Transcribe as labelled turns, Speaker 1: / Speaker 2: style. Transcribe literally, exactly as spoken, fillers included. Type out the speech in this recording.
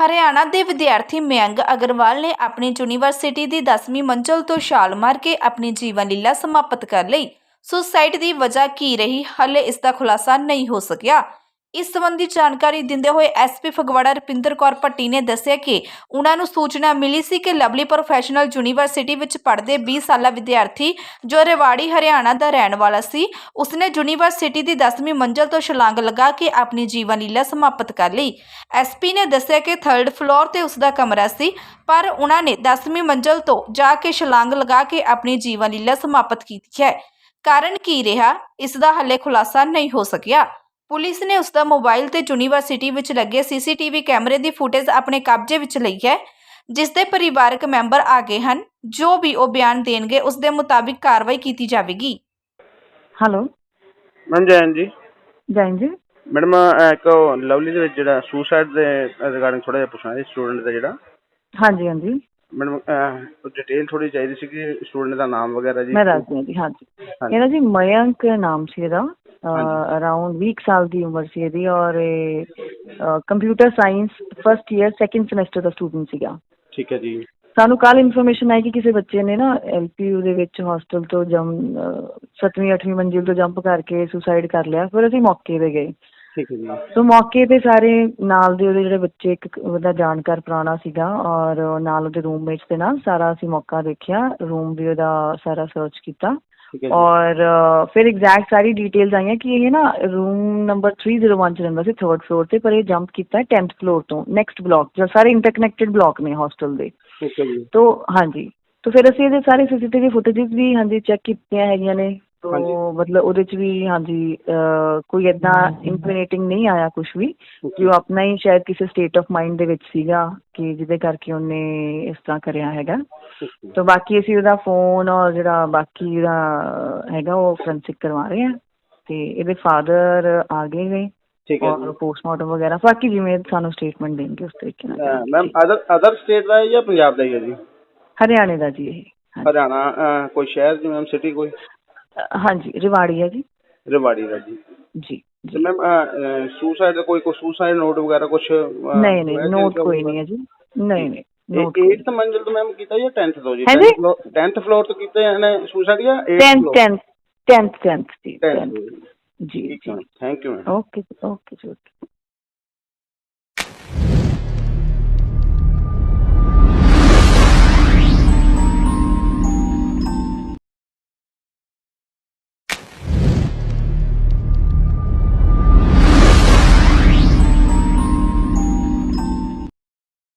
Speaker 1: ਹਰਿਆਣਾ ਦੇ ਵਿਦਿਆਰਥੀ ਮਯੰਕ ਅਗਰਵਾਲ ਨੇ ਆਪਣੀ ਯੂਨੀਵਰਸਿਟੀ ਦੀ ਦਸਵੀਂ ਮੰਜ਼ਲ ਤੋਂ ਛਾਲ ਮਾਰ ਕੇ ਆਪਣੀ ਜੀਵਨ ਲੀਲਾ ਸਮਾਪਤ ਕਰ ਲਈ। ਸੁਸਾਈਡ ਦੀ ਵਜ੍ਹਾ ਕੀ ਰਹੀ, ਹਾਲੇ ਇਸ ਦਾ ਖੁਲਾਸਾ ਨਹੀਂ ਹੋ ਸਕਿਆ। ਇਸ ਸੰਬੰਧੀ ਜਾਣਕਾਰੀ ਦਿੰਦੇ ਹੋਏ ਐਸਪੀ ਫਗਵਾੜਾ ਰੁਪਿੰਦਰ ਕੌਰ ਭੱਟੀ ਨੇ ਦੱਸਿਆ ਕਿ ਉਹਨਾਂ ਨੂੰ ਸੂਚਨਾ ਮਿਲੀ ਸੀ ਕਿ ਲਵਲੀ ਪ੍ਰੋਫੈਸ਼ਨਲ ਯੂਨੀਵਰਸਿਟੀ ਵਿੱਚ ਪੜ੍ਹਦੇ ਵੀਹ ਸਾਲਾ ਵਿਦਿਆਰਥੀ ਜੋ ਰੇਵਾੜੀ ਹਰਿਆਣਾ ਦਾ ਰਹਿਣ ਵਾਲਾ ਸੀ, ਉਸਨੇ ਯੂਨੀਵਰਸਿਟੀ ਦੀ ਦਸਵੀਂ ਮੰਜ਼ਲ ਤੋਂ ਛਲਾਂਗ ਲਗਾ ਕੇ ਆਪਣੀ ਜੀਵਨ ਲੀਲਾ ਸਮਾਪਤ ਕਰ ਲਈ। ਐਸਪੀ ਨੇ ਦੱਸਿਆ ਕਿ ਥਰਡ ਫਲੋਰ ਤੇ ਉਸਦਾ ਕਮਰਾ ਸੀ, ਪਰ ਉਹਨਾਂ ਨੇ ਦਸਵੀਂ ਮੰਜ਼ਲ ਤੋਂ ਜਾ ਕੇ ਛਲਾਂਗ ਲਗਾ ਕੇ ਆਪਣੀ ਜੀਵਨ ਲੀਲਾ ਸਮਾਪਤ ਕੀਤੀ ਹੈ। ਕਾਰਨ ਕੀ ਰਿਹਾ, ਇਸ ਦਾ ਹਾਲੇ ਖੁਲਾਸਾ ਨਹੀਂ ਹੋ ਸਕਿਆ। ਪੁਲਿਸ ਨੇ ਉਸਦਾ ਮੋਬਾਈਲ ਤੇ ਯੂਨੀਵਰਸਿਟੀ ਵਿੱਚ ਲੱਗੇ ਸੀਸੀਟੀਵੀ ਕੈਮਰੇ ਦੀ ਫੁਟੇਜ ਆਪਣੇ ਕਬਜ਼ੇ ਵਿੱਚ ਲਈ ਹੈ, ਜਿਸ ਦੇ ਪਰਿਵਾਰਕ ਮੈਂਬਰ ਆ ਗਏ ਹਨ। ਜੋ ਵੀ ਉਹ ਬਿਆਨ ਦੇਣਗੇ ਉਸ ਦੇ ਮੁਤਾਬਿਕ ਕਾਰਵਾਈ ਕੀਤੀ ਜਾਵੇਗੀ।
Speaker 2: ਹੈਲੋ
Speaker 3: ਮੈਮ ਜੈਨ ਜੀ।
Speaker 2: ਜੈਨ ਜੀ
Speaker 3: ਮੈਡਮ ਇੱਕ ਲਵਲੀ ਦੇ ਵਿੱਚ ਜਿਹੜਾ ਸੁਸਾਈਡ ਦੇ ਰਿਗਾਰਡਿੰਗ ਥੋੜਾ ਜਿਹਾ ਪੁੱਛਣਾ ਸੀ, ਸਟੂਡੈਂਟ ਦਾ ਜਿਹੜਾ।
Speaker 2: ਹਾਂਜੀ ਹਾਂਜੀ
Speaker 3: ਮੈਡਮ ਡਿਟੇਲ ਥੋੜੀ ਚਾਹੀਦੀ ਸੀ ਕਿ ਸਟੂਡੈਂਟ ਦਾ ਨਾਮ ਵਗੈਰਾ ਜੀ।
Speaker 2: ਮੈਂ ਦੱਸਦੀ ਹਾਂ ਜੀ। ਹਾਂਜੀ ਇਹਦਾ ਜੀ ਮਯੰਕ ਨਾਮ ਸੀ ਇਹਦਾ। ਅਰਾਊਂਡ ਵੀਹ ਸਾਲ ਦੀ ਉਮਰ ਸੀ ਇਹਦੀ ਔਰ ਇਹ computer science first year second semester ਦਾ ਸਟੂਡੈਂਟ ਸੀਗਾ।
Speaker 3: ਠੀਕ ਹੈ ਜੀ। ਸਾਨੂੰ
Speaker 2: ਕੱਲ੍ਹ ਇਨਫੋਰਮੇਸ਼ਨ ਆਈ ਕਿ ਕਿਸੇ ਬੱਚੇ ਨੇ ਨਾ ਐਲ ਪੀ ਯੂ ਦੇ ਵਿੱਚ ਹੋਸਟਲ ਤੋਂ ਜੰਮ ਸੱਤਵੀਂ ਅੱਠਵੀਂ ਮੰਜ਼ਿਲ ਤੋਂ ਜੰਪ ਕਰਕੇ ਸੁਸਾਈਡ ਕਰ ਲਿਆ। ਫਿਰ ਅਸੀਂ ਮੌਕੇ 'ਤੇ ਗਏ।
Speaker 3: ਠੀਕ ਹੈ ਜੀ।
Speaker 2: ਸੋ ਮੌਕੇ 'ਤੇ ਸਾਰੇ ਨਾਲ ਦੇ ਉਹਦੇ ਜਿਹੜੇ ਬੱਚੇ, ਇੱਕ ਉਹਦਾ ਜਾਣਕਾਰ ਪੁਰਾਣਾ ਸੀਗਾ ਔਰ ਨਾਲ ਉਹਦੇ ਰੂਮਮੇਟਸ ਦੇ ਨਾਲ ਸਾਰਾ ਅਸੀਂ ਮੌਕਾ ਦੇਖਿਆ, ਰੂਮ ਵੀ ਉਹਦਾ ਸਾਰਾ ਸਰਚ ਕੀਤਾ ਔਰ ਫਿਰ ਐਗਜ਼ੈਕਟ ਸਾਰੀ ਡਿਟੇਲਸ ਆਈਆਂ ਕਿ ਇਹ ਨਾ room number three zero one 'ਚ ਰਹਿੰਦਾ ਸੀ, ਥਰਡ ਫਲੋਰ 'ਤੇ, ਪਰ ਇਹ ਜੰਪ ਕੀਤਾ ਟੈਂਥ ਫਲੋਰ ਤੋਂ ਨੈਕਸਟ ਬਲੋਕ, ਜੋ ਸਾਰੇ ਇੰਟਰਕਨੈਕਟਡ ਬਲੋਕ ਨੇ ਹੋਸਟਲ ਦੇ। ਤੋ ਹਾਂਜੀ, ਤੋ ਫਿਰ ਅਸੀਂ ਇਹਦੇ ਸਾਰੇ ਸੀ ਸੀ ਟੀ ਵੀ ਫੁਟੇਜਿਸ ਵੀ ਹਾਂਜੀ ਚੈੱਕ ਕੀਤੀਆਂ ਹੈਗੀਆਂ ਨੇ। ਤੋ ਮਤਲਬ ਉਹਦੇ 'ਚ ਵੀ ਹਾਂਜੀ ਕੋਈ ਇੱਦਾਂ ਇਨਕ੍ਰਿਮੀਨੇਟਿੰਗ ਨਹੀਂ ਆਇਆ ਕੁਛ ਵੀ, ਕਿ ਉਹ ਆਪਣਾ ਹੀ ਸ਼ਾਇਦ ਕਿਸੇ ਸਟੇਟ ਆਫ ਮਾਈਂਡ ਦੇ ਵਿੱਚ ਸੀਗਾ ਕਿ ਜਿਹਦੇ ਕਰਕੇ ਉਹਨੇ ਇਸ ਤਰ੍ਹਾਂ ਕਰਿਆ ਹੈਗਾ। ਤੋ ਬਾਕੀ ਅਸੀਂ ਉਹਦਾ ਫੋਨ ਔਰ ਜਿਹੜਾ ਬਾਕੀ ਉਹਦਾ ਹੈਗਾ ਉਹ ਫੋਰੈਂਸਿਕ ਕਰਵਾ ਰਹੇ ਹਾਂ ਅਤੇ ਇਹਦੇ ਫਾਦਰ ਆ ਗਏ ਨੇ ਔਰ ਪੋਸਟਮਾਰਟਮ ਵਗੈਰਾ ਬਾਕੀ ਜਿਵੇਂ ਸਾਨੂੰ ਸਟੇਟਮੈਂਟ ਦੇਣਗੇ ਉਸ ਤਰੀਕੇ ਨਾਲ।
Speaker 3: ਮੈਮ ਅਦਰ ਅਦਰ ਸਟੇਟ ਦਾ ਹੈ ਜਾਂ ਪੰਜਾਬ ਦਾ ਹੀ ਹੈ ਜੀ?
Speaker 2: ਹਰਿਆਣੇ ਦਾ ਜੀ ਇਹ।
Speaker 3: ਹਰਿਆਣਾ ਕੋਈ ਸ਼ਹਿਰ ਜੀ ਮੈਮ, ਸਿਟੀ ਕੋਈ?
Speaker 2: ਹਾਂਜੀ ਰੇਵਾੜੀ ਹੈ ਜੀ।
Speaker 3: ਰੇਵਾੜੀ ਦਾ ਜੀ।
Speaker 2: ਜੀ
Speaker 3: ਤੇ ਮੈਮ ਸੁਸਾਈਡ ਦਾ ਕੋਈ ਕੋਈ ਸੁਸਾਈਡ ਨੋਟ ਵਗੈਰਾ ਕੁਛ?
Speaker 2: ਨਹੀਂ ਨਹੀਂ ਨੋਟ ਕੋਈ ਨਹੀਂ ਹੈ ਜੀ। ਨਹੀਂ ਨਹੀਂ
Speaker 3: ਏਟਥ ਮੰਜ਼ਿਲ ਤੋਂ ਮੈਮ ਕੀਤਾ ਜਾਂ ਟੈਂਥ ਤੋਂ ਜੀ?
Speaker 2: ਹਾਂਜੀ
Speaker 3: ਟੈਂਥ ਫਲੋਰ ਤੋਂ ਕੀਤਾ ਇਹਨੇ ਸੁਸਾਈਡ ਜਾਂ
Speaker 2: ਟੈਂਥ ਟੈਂਥ ਟੈਂਥ ਟੈਂਥ ਜੀ।
Speaker 3: ਜੀ ਜੀ। Thank you ma'am.
Speaker 2: Okay okay ਜੀ ਓਕੇ।